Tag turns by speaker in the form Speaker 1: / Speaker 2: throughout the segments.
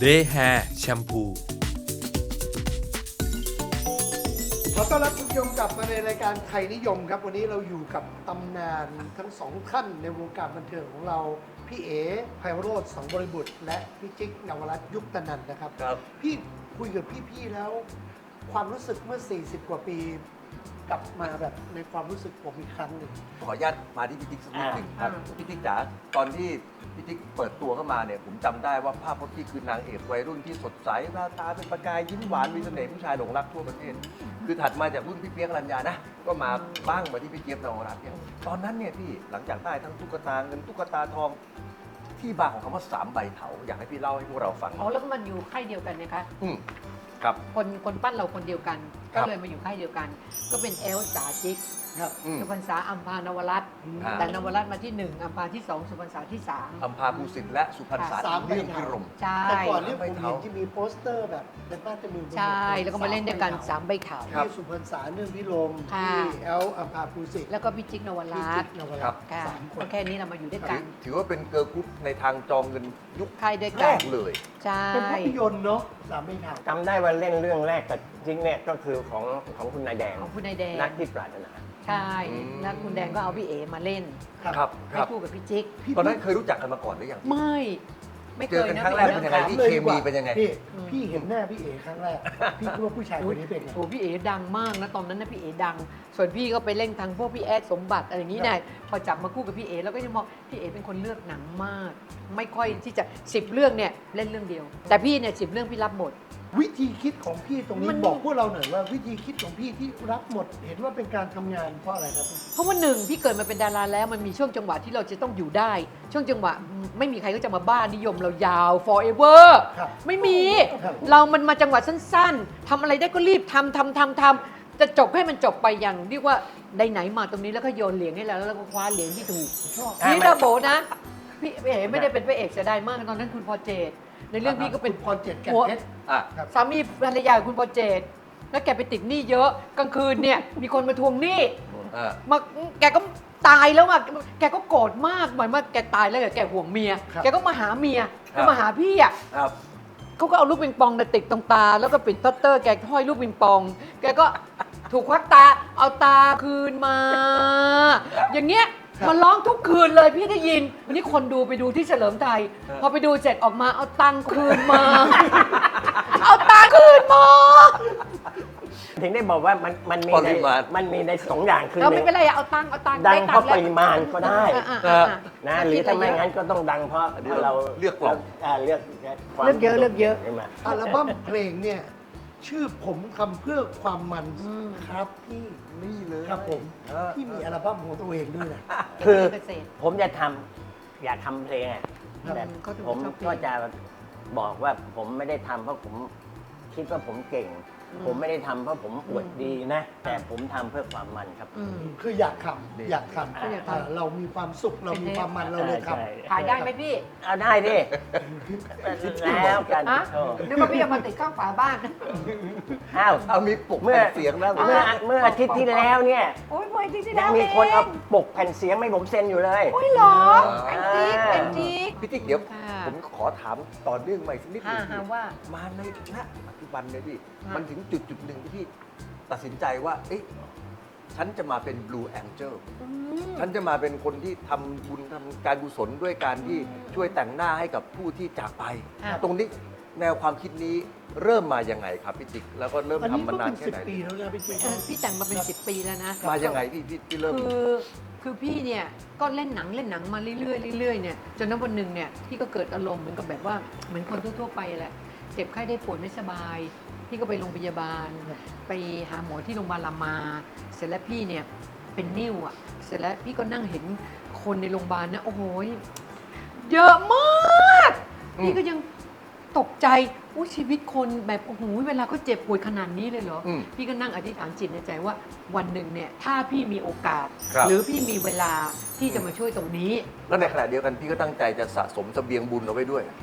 Speaker 1: Day Hair แชมพู
Speaker 2: ขอต้อนรับคุณผู้ชมกลับมาในรายการไทยนิยมครับวันนี้เราอยู่กับตำนานทั้งสองท่านในวงการบันเทิงของเราพี่เอ๋ไพโรจน์สังบริบุตรและพี่จิ๊กนวรัตน์ยุคตนันท์นะครับ
Speaker 3: ครับ
Speaker 2: พี่คุยกับพี่ๆแล้ว ความรู้สึกเมื่อ 40 กว่าปีกลับมาแบบในความรู้สึกผมอีกครั้งหนึ่ง
Speaker 3: ขออนุญาตมาที่พี่ติ๊กสักนิดหนึ่งครับ
Speaker 2: อ่า
Speaker 3: พี่ติ๊กจ๋าตอนที่พี่ติ๊กเปิดตัวเข้ามาเนี่ยผมจำได้ว่าภาพพจน์ที่คือนางเอกวัยรุ่นที่สดใสหน้าตาเป็นประกายยิ้มหวานมีเสน่ห์ผู้ชายหลงรักทั่วประเทศ คือถัดมาจากรุ่นพี่เปี๊ยกอรัญญานะก็มาบ้างมาที่พี่เจี๊ยบนวรัตน์เนี่ยตอนนั้นเนี่ยพี่หลังจากได้ทั้งตุ๊กตาเงินตุ๊กตาทองที่มาของคำว่าสามใบเถาอยากให้พี่เล่าให้พวกเราฟัง
Speaker 4: อ๋อแล้วก็มันอยู่ค่ายเดียวกันนะคะ
Speaker 3: อืมครับ
Speaker 4: คนปั้นเราคนเดียวกัน
Speaker 3: ครั
Speaker 4: ก็
Speaker 3: บ
Speaker 4: เลยมาอยู่ค่ายเดียวกัน ก็เป็นเอลจ๋าจิ๊ก
Speaker 2: ครับ
Speaker 3: อืม
Speaker 4: สุพรรษาอัมพานวรัตน์
Speaker 3: อ่า
Speaker 4: แต่นวรัตน์มาที่ 1อัมพาที่ 2 สุพรรษาที่
Speaker 3: อัมพาภูสิทธิ์และสุพรรณษา
Speaker 2: สามใบ
Speaker 3: เรื่อง
Speaker 2: เถา
Speaker 3: พิรม
Speaker 4: 3 ใช่
Speaker 2: แต่ก่อนเนี่ยผม
Speaker 3: ไม่
Speaker 2: เห็
Speaker 3: เท่า
Speaker 2: นที่มีโปสเตอร์แบบเป็นบ้านจมือ
Speaker 4: ใช่ แล้วก็มาเล่นด้วยกัน 3 ใบขาว
Speaker 3: ครับ
Speaker 2: ที่สุพรรณษาเนื่องพิรม
Speaker 4: ค่ะ
Speaker 2: ที่แอลอัมพาภูสิทธิ์
Speaker 4: แล้วก็พี่จิ๊กนว
Speaker 2: พี่
Speaker 4: รั
Speaker 2: จิ๊
Speaker 4: ต
Speaker 2: ก
Speaker 4: น์
Speaker 2: นว
Speaker 3: ครั
Speaker 2: รั
Speaker 3: บ
Speaker 2: ตน์
Speaker 4: ค่ะ
Speaker 2: สามค
Speaker 4: ก็
Speaker 2: น
Speaker 4: แค่นี้เรามาอยู่ด้วยกัน
Speaker 3: ถือว่าเป็นเกิร์ลกรุ๊ปในทางจองเงินยุค
Speaker 4: ค่ายด้วย
Speaker 3: แร
Speaker 4: กัน
Speaker 3: กเลย
Speaker 4: ใช่
Speaker 2: เป็นภาพยนตร์เนาะสามใบเถา
Speaker 5: จำได้ว่าเล่นเรื่องแรกกับจริงเนี่ยก็คือของคุณนายแดง
Speaker 4: ของคุณนายแดง
Speaker 5: นักที่ปรารถนา
Speaker 4: ใช่แล้วคุณแดงก็เอาพี่เอมาเล่น
Speaker 3: ครับค
Speaker 4: ให้
Speaker 3: รับ
Speaker 4: คู่กับพี่จิ๊ก
Speaker 3: ตอนนั้นเคยรู้จักกันมาก่อนหรือยัง
Speaker 4: ไม่เค
Speaker 3: เจอย กัน
Speaker 4: นะ
Speaker 3: ครั้งแรกเป็นยังไง
Speaker 4: พี่
Speaker 3: พี่ เคมีเป็นยังไง
Speaker 2: พี่พี่เห็นหน้าพี่เอ๋ครั้งแรก พี่คิดว่าผู้ชายคนนี้เป็นไง
Speaker 4: โอ้พี่เอ๋ดังมากนะตอนนั้นนะพี่เอ๋ดัง ส่วนพี่ก็ไปเล่นทางพวกพี่แอดสมบัติอะไรอย่างนี้เนี่ยพอจับมาคู่กับพี่เอ๋แล้วก็ยังมองพี่เอ๋เป็นคนเลือกหนังมาก ไม่ค่อยที่จะ10 เรื่องเนี่ยเล่นเรื่องเดียว แต่พี่เนี่ย10 เรื่องพี่รับหมด
Speaker 2: วิธีคิดของพี่ตรงนี้
Speaker 4: มัน
Speaker 2: บอกพวกเราหน่อยว่าวิธีคิดของพี่ที่รับหมด เห็นว่าเป็นการทำงานเพราะอะไรครับ
Speaker 4: เพราะว่าหนึ่งพี่เกิดมาเป็นดาราแล้วมันมีช่วงจังหวะที่เราจะต้องอยู่ได้ ช่วงจังหวะไม่มีใครก็จะมาบ้านิยมเรายาว forever
Speaker 2: ครับ
Speaker 4: ไม่มี
Speaker 2: ครับ
Speaker 4: เรามันมาจังหวะสั้นๆทำอะไรได้ก็รีบทำจะจบให้มันจบไปอย่างเรียกว่าได้ไหนมาตรงนี้แล้วก็โยนเหรียญให้เราแล้วก็คว้าเหรียญที่ถูก
Speaker 2: ชอบ
Speaker 4: นี่นะโบนะพี่เอ๋ไม่ได้เป็นพระเอกเสียดายมากตอนนั้นคุณพอเจตในเรื่องพี่ก็เป็น
Speaker 2: พรเจ็ดแก่นเพชร
Speaker 3: อ่ะ
Speaker 2: ครับ
Speaker 4: สามีภรรยาของคุณพอเจตแล้วแกไปติดหนี้เยอะกลางคืนเนี่ยมีคนมาทวงหนี้
Speaker 3: อ่ะ
Speaker 4: มาแกก็ตายแล้วอ่ะแกก็โกรธมากเหมือนว่าแกตายแล้วแกห่วงเมีย
Speaker 2: ครับ
Speaker 4: แกก็มาหาเมีย
Speaker 3: ครับ
Speaker 4: ก็มาหาพี่อ่ะ
Speaker 3: ครับ
Speaker 4: เขาก็เอาลูกปิงปองเนี่ยติดตรงตา แล้วก็ปิดพัตเตอร์แกห้อยลูกปิงปอง แกก็ถูกควักตาเอาตาคืนมา อย่างเงี้ยมันร้องทุกคืนเลยพี่ได้ยินวันนี้คนดูไปดูที่เฉลิมไทย พอไปดูเสร็จออกมาเอาตังค์คืนมา เอาตังค์คืนมา
Speaker 5: ถึงได้บอกว่ามันมี
Speaker 3: ป
Speaker 5: ใน
Speaker 3: ริมาณ
Speaker 5: มันมีในสองอย่างคือ
Speaker 4: เรา
Speaker 5: ห
Speaker 4: ไม่
Speaker 5: นึ่ง
Speaker 4: เป็นไรอะเอาตังค์
Speaker 5: ดัง
Speaker 4: ได้
Speaker 5: เพ
Speaker 4: ตั
Speaker 5: ราะ
Speaker 4: งค์
Speaker 5: ป
Speaker 4: แล้ว
Speaker 5: ริมาณก็ได้ นะหรือถ้าไม่งั้นก็ต้องดังเพราะ
Speaker 3: อันนี้
Speaker 5: เรา
Speaker 3: เลือกกล่อง
Speaker 5: เลือกความ
Speaker 4: เลือกเยอะเลือกเยอะ
Speaker 5: ใช่ไหม
Speaker 2: อัลบั้มเพลงเนี่ยชื่อผมทำเพื่อความมัน
Speaker 4: อืม
Speaker 2: ครับพี่
Speaker 3: นี่เลย
Speaker 2: ครับผม
Speaker 3: เออ
Speaker 2: พี่มีอัลบั้มของตัวเองด้วยนะ
Speaker 5: คือ
Speaker 4: เกษตร
Speaker 5: ผมจะทำอยากทำเพลงอะ
Speaker 2: ครับ
Speaker 5: แต่
Speaker 4: เขาถึง
Speaker 5: ผม
Speaker 4: ชอบเพลง
Speaker 5: ก็จะบอกว่าผมไม่ได้ทำเพราะผมคิดว่าผมเก่ง ผมไม่ได้ทำเพราะผมอวดดีนะ แต่ผมทำเพื่อความมันครับ
Speaker 4: อืม
Speaker 2: คืออยากทำอยากท
Speaker 4: ก็อยาก
Speaker 2: ำ
Speaker 4: ทำ
Speaker 2: เรามีความสุขเรามีความมันเราเลยท
Speaker 5: ใช่
Speaker 4: ขายได้ไหมพี่
Speaker 5: เอาได้ดิแล้วกัน
Speaker 4: อะ
Speaker 5: โอ้
Speaker 4: นึกว่าพี่เอามาติดข้างฝาบ้าน
Speaker 5: อ้าว
Speaker 3: เอามีปลุก
Speaker 5: เมื่อ
Speaker 3: แผ่นเสียงแล้ว
Speaker 5: เมื่ออาทิตย์ที่แล้วเนี่ย
Speaker 4: โอ้ยเมื่ออาที่ที่
Speaker 5: ยั
Speaker 4: แล้
Speaker 5: ง
Speaker 4: ว
Speaker 5: มีคนเอา
Speaker 4: เอง
Speaker 5: ปกแผ่นเสียงให้ผมเซ็นอยู่เลย
Speaker 4: โอ้ยเหรอแอนติกแอนติก
Speaker 3: พี่ติ๊กเดี๋ยว
Speaker 4: ค่ะ
Speaker 3: ผมขอถามต่อเนื่องใหม่สักนิดหนึง
Speaker 4: หาว่า
Speaker 3: มาในณปัจจุบันเนี่ยพี่
Speaker 4: ฮะ
Speaker 3: มันถึงจุดหนึ่งที่พี่ตัดสินใจว่า เอ๊ะฉันจะมาเป็น Blue Angel ฉันจะมาเป็นคนที่ทำบุญทำการกุศลด้วยการที่ช่วยแต่งหน้าให้กับผู้ที่จากไป
Speaker 4: ค่ะ
Speaker 3: ตรงนี้แนวความคิดนี้เริ่มมายังไงครับพี่ติ๊กแล้วก็เริ่ม
Speaker 2: อันนี้
Speaker 3: ทำ
Speaker 2: ก็
Speaker 3: มานาน
Speaker 2: เป็น
Speaker 3: แค่
Speaker 2: 10
Speaker 3: ไหน
Speaker 2: ปีแล้วนะพี่เจ
Speaker 4: พี่แต่งมาเป็น 10 ปีแล้วนะ
Speaker 3: มายังไงพี่เริ่ม
Speaker 4: คือพี่เนี่ยก็เล่นหนังมาเรื่อยๆเรื่อยๆเนี่ยจนวันหนึ่งเนี่ยพี่ก็เกิดอารมณ์เหมือนกับแบบว่าเหมือนคนทั่วๆไปแหละเจ็บไข้ได้ป่วยไม่สบาย พี่ก็ไปโรงพยาบาล ไปหาหมอที่โรงพยาบาลรามา เสร็จแล้วพี่เนี่ยเป็นนิ่วอ่ะเสร็จแล้วพี่ก็นั่งเห็นคนในโรงพยาบาลนะโอ้โหเยอะมาก
Speaker 3: อืม
Speaker 4: พี่ก็ยังตกใจอุ้ยชีวิตคนแบบโอ้โหเวลาเขาเจ็บป่วยขนาดนี้เลยเหรอ
Speaker 3: อืม
Speaker 4: พี่ก็นั่งอธิษฐานจิตในใจว่าวันหนึ่งเนี่ยถ้าพี่มีโอกาส
Speaker 3: ครับ
Speaker 4: หรือพี่มีเวลาที่จะมาช่วยตรงนี้
Speaker 3: แล้วในขณะเดียวกันพี่ก็ตั้งใจจะสะสมเสบียงบุญเอาไว้ด้วย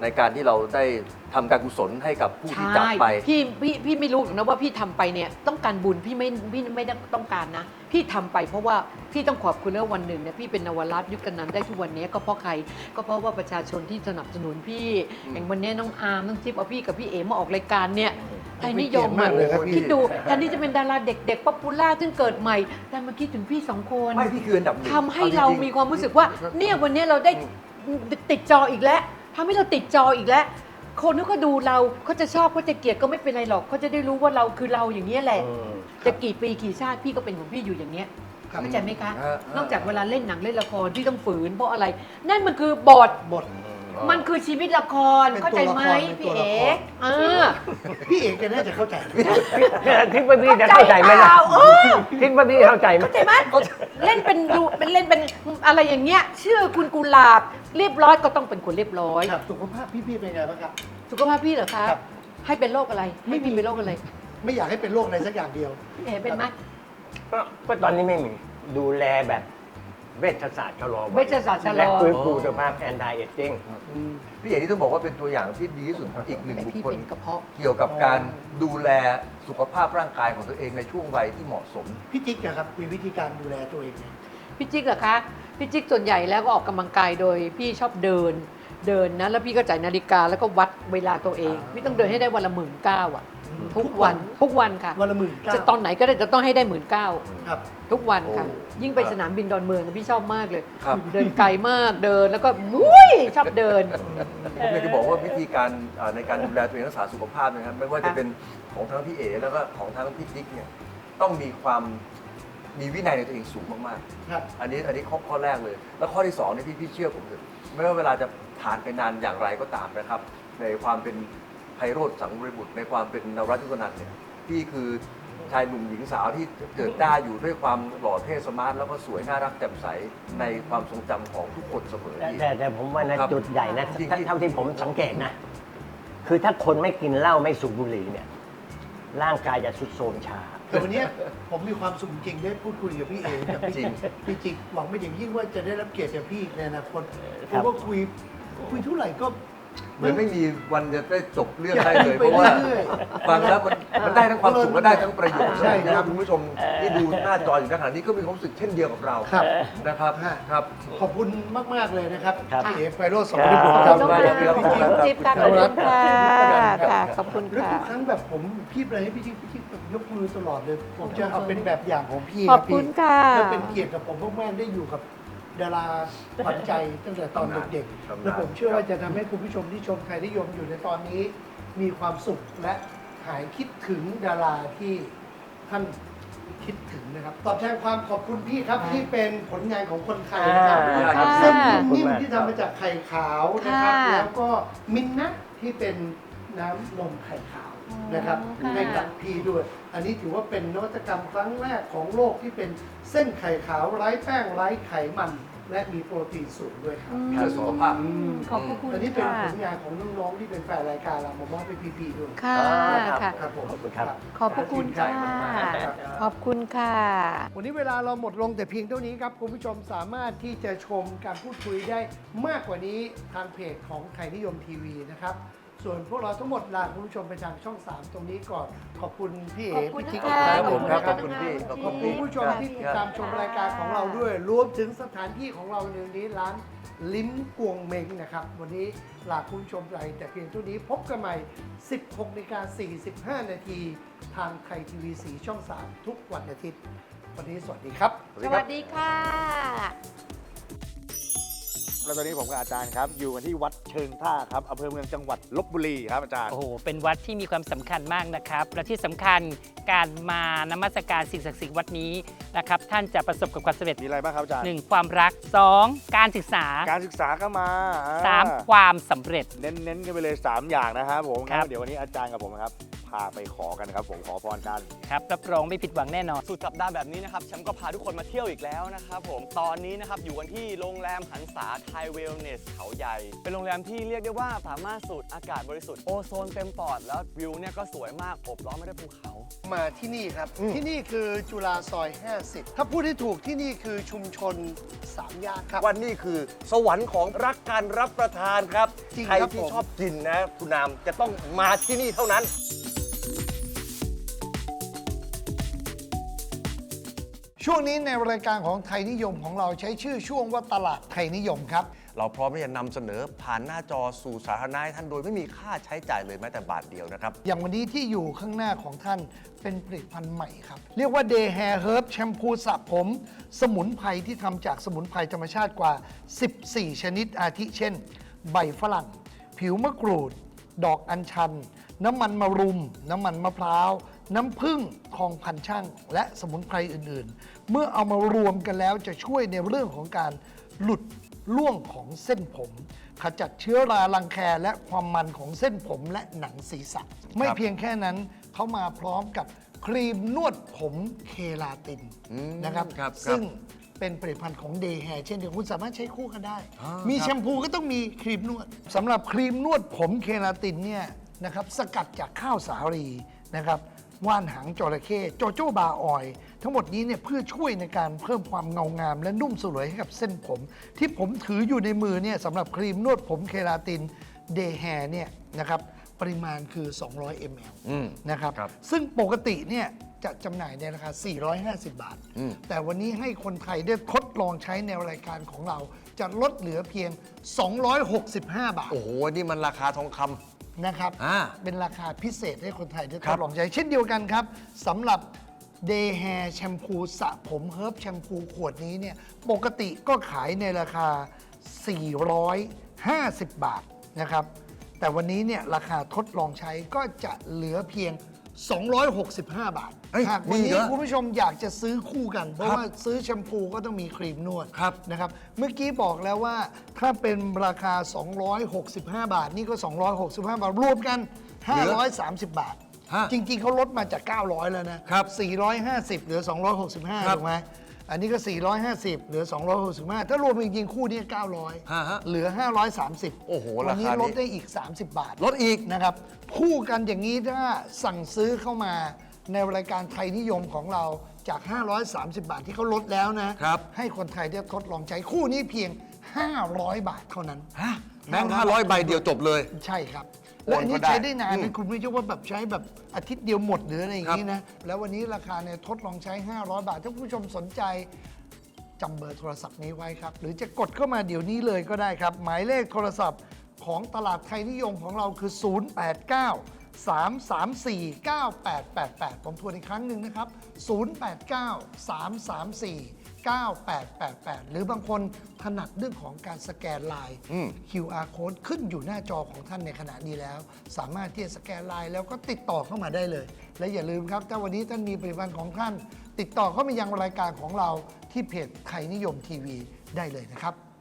Speaker 3: ในการที่เราได้ทำการกุศลให้กับผู้ที่จากไป
Speaker 4: พี่ไม่รู้หรอกนะว่าพี่ทำไปเนี่ยต้องการบุญพี่ไม่ได้ต้องการนะ พี่ทำไปเพราะว่าพี่ต้องขอบคุณแล้ววันหนึ่งเนี่ยพี่เป็นนวรัตน์ยุคกันนั้นได้ทุกวันนี้ก็เพราะใครก็เพราะว่าประชาชนที่สนับสนุนพี่อย่างวันนี้น้องอาร์มน้องจิ๊บเอาพี่กับพี่เอ๋มาออกรายการเนี่ยไทยนิยม
Speaker 2: มากเลยครับพี่
Speaker 4: คิดดูแทนที่จะเป็นดาราเด็กๆป๊อปปูล่าซึ่งเกิดใหม่แต่มาคิดถึงพี่สองคน
Speaker 3: ไม่พี่คืออันดับหนึ่ง
Speaker 4: ทำให้เรามีความรู้สึกว่าเนี่ยวันนี้เราได้ติดจออีกแล้วทำให้เราติดจออีกแล้ว คนที่เขาดูเราเขาจะชอบเขาจะเกลียดก็ไม่เป็นไรหรอกเขาจะได้รู้ว่าเราคือเราอย่างนี้ยแหละ จะกี่ปีกี่ชาติพี่ก็เป็นของพี่อยู่อย่างเนี้ย
Speaker 2: ครับ
Speaker 4: เข้าใจไหมคะ
Speaker 3: ฮะ
Speaker 4: นอกจากเวลาเล่นหนังเล่นละครที่ต้องฝืนเพราะอะไร นั่นมันคือบท
Speaker 2: บท
Speaker 4: มันคือชีวิตละคร
Speaker 2: เป็น
Speaker 4: เข้าใจไหม
Speaker 2: ตัวละคร
Speaker 4: พี่เอ๋
Speaker 2: เป็นตัวละคร พี่เอกแกน่าจะเข้าใจ
Speaker 5: คิดว่าพี่จะเข้าใจไหมล่ะ
Speaker 4: เออ
Speaker 5: คิดว่าพี่เข้าใจไหม
Speaker 4: เข้าใจไหมเล่นเป็นดูเป็นเล่นเป็นอะไรอย่างเงี้ยชื่อคุณกุหลาบเรียบร้อยก็ต้องเป็นคนเรียบร้อย
Speaker 2: ครับสุขภาพพี่เป็นไงบ้างครับ
Speaker 4: สุขภาพพี่เหรอคะ
Speaker 2: ครับ
Speaker 4: ให้เป็นโรคอะไรไม่มีเป็นโรคอะไร
Speaker 2: ไม่อยากให้เป็นโรคอะไรสักอย่างเดียว
Speaker 4: พี่เอ๋เป็นไหม
Speaker 5: ก็ตอนนี้ไม่มีดูแลแบบเวชศาสตร์ชะลอวัย
Speaker 4: เวชศาสตร์ชะลอ
Speaker 5: และฟื้นฟูสภาพแอนตี้เอจจิ้ง
Speaker 3: พี่เอกที่ต้องบอกว่าเป็นตัวอย่างที่ดีที่สุดอีกหนึ่ง
Speaker 4: แต่
Speaker 3: บุค
Speaker 4: พี่
Speaker 3: คล
Speaker 4: เป็นกระเพาะ
Speaker 3: เกี่ยวกับการดูแลสุขภาพร่างกายของตัวเองในช่วงวัยที่เหมาะสม
Speaker 2: พี่จิ๊กนะครับมีวิธีการดูแลตัวเองไง
Speaker 4: พี่จิ๊กเหรอคะพี่จิ๊กส่วนใหญ่แล้วก็ออกกำลังกายโดยพี่ชอบเดินนะแล้วพี่ก็จ่ายนาฬิกาแล้วก็วัดเวลาตัวเองพี่ต้องเดินให้ได้วันละ19,000อ่ะทุกวันค่ะ
Speaker 2: วันละ19,000
Speaker 4: จะตอนไหนก็ได้จะต้องให้ได้19,000
Speaker 2: ครับ
Speaker 4: ทุกวันค่ะ
Speaker 3: โอ้
Speaker 4: ยิ่งไปสนามบินดอนเมืองนะพี่ชอบมากเลย
Speaker 3: ครับ
Speaker 4: เดินไกลมากเดินแล้วก็มุ้ยชอบเดิน
Speaker 3: ผมอยากจะบอกว่าวิธีการในการดูแลตัวเองรักษาสุขภาพนะครับไม่ว่าจะเป็นของทั้งพี่เอ๋แล้วก็ของทั้งพี่ติ๊กเนี่ยต้องมีวินัยในตัวเองสูงมาก
Speaker 2: ครับ
Speaker 3: ๆอันนี้ข้อแรกเลย แล้วข้อที่สองเนี่ยพี่เชื่อผมเถอะไม่ว่าเวลาจะผ่านไปนานอย่างไรก็ตามนะครับ ในความเป็นไพโรจน์สังวรบุตรในความเป็นนวรัตน์ยุกนันท์เนี่ยพี่คือชายหนุ่มหญิงสาวที่เกิดได้อยู่ด้วยความหล่อเท่สมาร์ทแล้วก็สวยน่ารักแจ่มใสในความทรงจำของทุกคนเสมอพี่
Speaker 5: แต่ผมว่านะครับ จุดใหญ่นะ
Speaker 3: จริงๆ
Speaker 5: เท่าที่ผมสังเกตนะ คือถ้าคนไม่กินเหล้าไม่สูบบุหรี่เนี่ย ร่างกายจะทรุดโทรมช้า
Speaker 2: แต่วันนี้ผมมีความสุขจริงได้พูดคุยกับพี่เอ๋กับพี่จิ๊กพี่จิ๊กหวังไม่อย่างยิ่งว่าจะได้รับเกียรติจากพี่ในอนาคตเพราะว่าคุยเท่าไหร่ก็
Speaker 3: เหมือนไม่มีวันจะได้จบเรื่อง
Speaker 2: อยาก
Speaker 3: ได้เลย
Speaker 2: ให้
Speaker 3: เพราะว่า
Speaker 2: ไปเรื่อย
Speaker 3: ฟังแล้วมันได้ทั้งความสุขและได้ทั้งประโยชน์
Speaker 2: ใช่ครับ
Speaker 3: คุณผู้ชมที่ดูหน้าจออยู่ขณะนี้ก็มีความรู้สึกเช่นเดียวกับเรา
Speaker 2: ครับ
Speaker 3: นะครับ
Speaker 2: ฮะ
Speaker 3: ครับ
Speaker 2: ขอบคุณมาก ๆ เลยนะครับ
Speaker 5: ครับ
Speaker 2: พี่เอ๋ไพโรจน์สม
Speaker 5: ค
Speaker 2: บู
Speaker 5: รับ
Speaker 2: รณ์
Speaker 4: ข
Speaker 2: ค
Speaker 4: อ
Speaker 2: รั
Speaker 4: บบ คุณค่ะ
Speaker 3: ครับ
Speaker 4: พี่จิ๊บค่ะขอบคุณค่ะค่ะขอบคุณ
Speaker 2: แล้ว
Speaker 4: ค่ะ
Speaker 2: ทุกครั้งแบบผมพี่อะไรให้พี่จิ๊กแบบยกมือตลอดเลย ผมจะเอาเป็นแบบอย่างของพี่
Speaker 4: ขอบคุณค่ะ
Speaker 2: แล้วเป็นเกียรติกับผมมากๆได้อยู่กับดาราขวัญใจตั้งแต่ตอนเด็กๆ และผมเชื่อว่าจะทำให้คุณผู้ชมที่ชมไทยนิยมอยู่ในตอนนี้ มีความสุขและหายคิดถึงดาราที่ท่านคิดถึงนะครับ ตอบแทนความขอบคุณพี่ครับที่เป็นผลงานของคนไทยนะครับ
Speaker 3: ค่ะ
Speaker 2: เส้น
Speaker 5: ขอบคุณ
Speaker 2: นิ่ม
Speaker 5: มาก
Speaker 2: ที่ทำมาจากไข่ขาวนะครับ
Speaker 4: ค่ะ
Speaker 2: แล้วก็มินนะที่เป็นน้ำนมไข่ขาวนะครับ
Speaker 4: ค่ะ
Speaker 2: ให้กับพี่ด้วย อันนี้ถือว่าเป็นนวัตกรรมครั้งแรกของโลกที่เป็นเส้นไข่ขาวไร้แป้งไร้ไขมัน และมีโปรตีนสูงด้วยครับ
Speaker 3: เพื่อสุขภาพ
Speaker 4: ขอบพระคุณ
Speaker 2: อันนี้เป็น
Speaker 4: ค่ะ
Speaker 2: ผลงานของน้องๆที่เป็นแฟนรายการเรามามอบให้พี่ๆด้วย
Speaker 4: ค่ะค่ะ
Speaker 2: ครับผม
Speaker 5: ขอบคุณครับ
Speaker 4: ขอบพระคุณค่ะ ขอบคุณค่ะ
Speaker 2: วันนี้เวลาเราหมดลงแต่เพียงเท่านี้ครับ คุณผู้ชมสามารถที่จะชมการพูดคุยได้มากกว่านี้ทางเพจของไทยนิยมทีวีนะครับ ส่วนพวกเราทั้งหมดลาคุณผู้ชมไปทางช่อง 3 ตรงนี้ก่อน ขอบคุณพี่เอ๋
Speaker 4: ขอบคุณ
Speaker 2: พี่จิ๊ก
Speaker 4: นะคะ
Speaker 3: ครับผมครับ
Speaker 2: ข
Speaker 3: ข
Speaker 2: อ
Speaker 3: อ
Speaker 2: บบ คุ
Speaker 3: คุณ ณ
Speaker 2: พี่
Speaker 3: พี่
Speaker 2: ขอบคุณผู้ชมที่ติดตามชมรายการของเราด้วย รวมถึงสถานที่ของเราในวันนี้ร้านลิ้มกวงเมงนะครับ วันนี้ลาคุณผู้ชมไปแต่เพียงเท่านี้พบกันใหม่ 16:45 นาทีทางไทยทีวี4ช่อง 3 ทุกวันอาทิตย์ วันนี้สวัสดีครับ
Speaker 4: สวัสดีค่ะ
Speaker 1: แล้วตอนนี้ผมกับอาจารย์ครับ อยู่กันที่วัดเชิงท่าครับอำเภอเมืองจังหวัดลบบุรีครับอาจารย์
Speaker 6: โอ้โห เป็นวัดที่มีความสำคัญมากนะครับ และที่สำคัญการมานมัสการสิ่งศักดิ์สิทธิ์วัดนี้นะครับ ท่านจะประสบกับความสำเร็จ
Speaker 1: มีอะไรบ้างครับอาจารย์
Speaker 6: 1. ความรัก 2. การศึกษา
Speaker 1: การศึกษาก็มา
Speaker 6: 3. ความสำเร็จ
Speaker 1: เน้นกันไปเลย 3 อย่างนะครับผม
Speaker 6: ครับ
Speaker 1: เดี๋ยววันนี้อาจารย์กับผมนะครับ พาไปขอกันครับผมขอพรกัน
Speaker 6: ครับ รับรองไม่ผิดหวังแน่นอน
Speaker 7: สุดสัปดาห์แบบนี้นะครับแชมป์ก็พาทุกคนมาเที่ยวอีกแล้วนะครับผมตอนนี้นะครับอยู่กันที่โรงแรมหันษาไทยเวลเนสเขาใหญ่ เป็นโรงแรมที่เรียกได้ว่าสามารถสูดอากาศบริสุทธิ์โอโซนเต็มปอดแล้ววิวเนี่ยก็สวยมากอบล้อมไปด้วยภูเขา
Speaker 2: มาที่นี่ครับ ที่นี่คือจุฬาซอย 50 ถ้าพูดให้ถูกที่นี่คือชุมชน3 ย่านครับ
Speaker 3: วันนี้คือสวรรค์ของรักการรับประทานครับ
Speaker 2: จริง
Speaker 3: ใคร
Speaker 2: ครับ
Speaker 3: ที่
Speaker 2: ผม
Speaker 3: ชอบกินนะคุณนามจะต้องมาที่นี่เท่านั้น
Speaker 2: ช่วงนี้ในรายการของไทยนิยมของเราใช้ชื่อช่วงว่าตลาดไทยนิยมครับ
Speaker 3: เราพร้อมที่จะนำเสนอผ่านหน้าจอสู่สาธารณะให้ท่านโดยไม่มีค่าใช้จ่ายเลยแม้แต่บาทเดียวนะครับ
Speaker 2: อย่างวันนี้ที่อยู่ข้างหน้าของท่านเป็นผลิตภัณฑ์ใหม่ครับ เรียกว่า Day Hair Herb แชมพูสระผม สมุนไพรที่ทำจากสมุนไพรธรรมชาติกว่า 14 ชนิดอาทิเช่น ใบฝรั่ง ผิวมะกรูด ดอกอัญชัน น้ำมันมะรุม น้ำมันมะพร้าว น้ำผึ้งทองพันช่าง และสมุนไพรอื่นๆ เมื่อเอามารวมกันแล้วจะช่วยในเรื่องของการหลุดร่วงของเส้นผม ขจัดเชื้อรารังแคและความมันของเส้นผมและหนังศีรษะ ไม่เพียงแค่นั้นเขามาพร้อมกับครีมนวดผมเคลาตินนะครับ
Speaker 3: ครับ
Speaker 2: ซึ่งเป็นผลิตภัณฑ์ของเดย์แฮร์เช่นเดียวกันคุณสามารถใช้คู่กันได้ มี
Speaker 3: ครับ
Speaker 2: แชมพูก็ต้องมีครีมนวดสำหรับครีมนวดผมเคลาตินเนี่ยนะครับสกัดจากข้าวสาลีนะครับว่านหางจระเข้โจโจ้บาออยล์ทั้งหมดนี้เนี่ยเพื่อช่วยในการเพิ่มความเงางามและนุ่มสลวยให้กับเส้นผม ที่ผมถืออยู่ในมือเนี่ยสำหรับครีมนวดผมเคลาตินเดย์แฮร์เนี่ยนะครับปริมาณคือ 200 ml นะครับ
Speaker 3: ครับ
Speaker 2: ซึ่งปกติเนี่ยจะจำหน่ายในราคา 450 บาท แต่วันนี้ให้คนไทยได้ทดลองใช้ในรายการของเรา จะลดเหลือเพียง 265 บาท
Speaker 3: โอ้โห นี่มันราคาทองคำ
Speaker 2: นะครับ
Speaker 3: อ่า
Speaker 2: เป็นราคาพิเศษให้คนไทยได้ท
Speaker 3: ครั
Speaker 2: ด
Speaker 3: บ
Speaker 2: ลองใช้ เช่นเดียวกันครับสำหรับ Day Hair แชมพูสระผมเฮิร์บแชมพูขวดนี้เนี่ยปกติก็ขายในราคา 450 บาทนะครับ แต่วันนี้เนี่ยราคาทดลองใช้ก็จะเหลือเพียง 265 บาท
Speaker 3: เฮ้ย
Speaker 2: หากวัน
Speaker 3: มี
Speaker 2: นี้
Speaker 3: เหรอ
Speaker 2: คุณผู้ชมอยากจะซื้อคู่กัน เพราะว่าซื้อแชมพูก็ต้องมีครีมนวด
Speaker 3: ครับ
Speaker 2: นะครับ เมื่อกี้บอกแล้วว่าถ้าเป็นราคา 265 บาท นี่ก็ 265 บาท รวมกัน 530 บาท
Speaker 3: ฮะ
Speaker 2: จริง ๆเขาลดมาจาก 900 แล้วนะครับ 450 เหลือ 265
Speaker 3: ครับ
Speaker 2: ถูกไหมอันนี้ก็ 450 เหลือ 265 ถ้ารวมจริงๆคู่นี้
Speaker 3: ฮะ
Speaker 2: 900 เหลือ 530
Speaker 3: โอ้โห
Speaker 2: วันนี้
Speaker 3: ราคานี้
Speaker 2: ลดได้อีก 30 บาท
Speaker 3: ลดอีก
Speaker 2: นะครับคู่กันอย่างนี้ถ้าสั่งซื้อเข้ามาในรายการไทยนิยมของเราจาก 530 บาทที่เขาลดแล้วนะครับ ให้คนไทยได้ทดลองใช้คู่นี้เพียง 500 บาทเท่านั้น
Speaker 3: ฮะแบงค์500 ใบเดียวจบเลย
Speaker 2: ใช่ครับ
Speaker 3: โอน
Speaker 2: และอันนี้
Speaker 3: ก็ได้
Speaker 2: ใช้ได้นาน
Speaker 3: อื
Speaker 2: นะ
Speaker 3: ม
Speaker 2: คุณไม่ใช่ว่าแบบใช้แบบอาทิตย์เดียวหมดหรืออะไรอย่างนี้นะ แล้ววันนี้ราคาเนี่ยทดลองใช้ 500 บาท ถ้าคุณผู้ชมสนใจจำเบอร์โทรศัพท์นี้ไว้ครับ หรือจะกดเข้ามาเดี๋ยวนี้เลยก็ได้ครับ หมายเลขโทรศัพท์ของตลาดไทยนิยมของเราคือ 089-334-9888 ผมทวนอีกครั้งหนึ่งนะครับ 089-334-9888 หรือบางคนถนัดเรื่องของการสแกนไลน์ QR code ขึ้นอยู่หน้าจอของท่านในขณะนี้แล้ว สามารถที่จะสแกนไลน์แล้วก็ติดต่อเข้ามาได้เลย และอย่าลืมครับ ถ้าวันนี้ท่านมีผลิตภัณฑ์ของท่าน ติดต่อเข้ามายังรายการของเราที่เพจไทยนิยมทีวีได้เลยนะครับ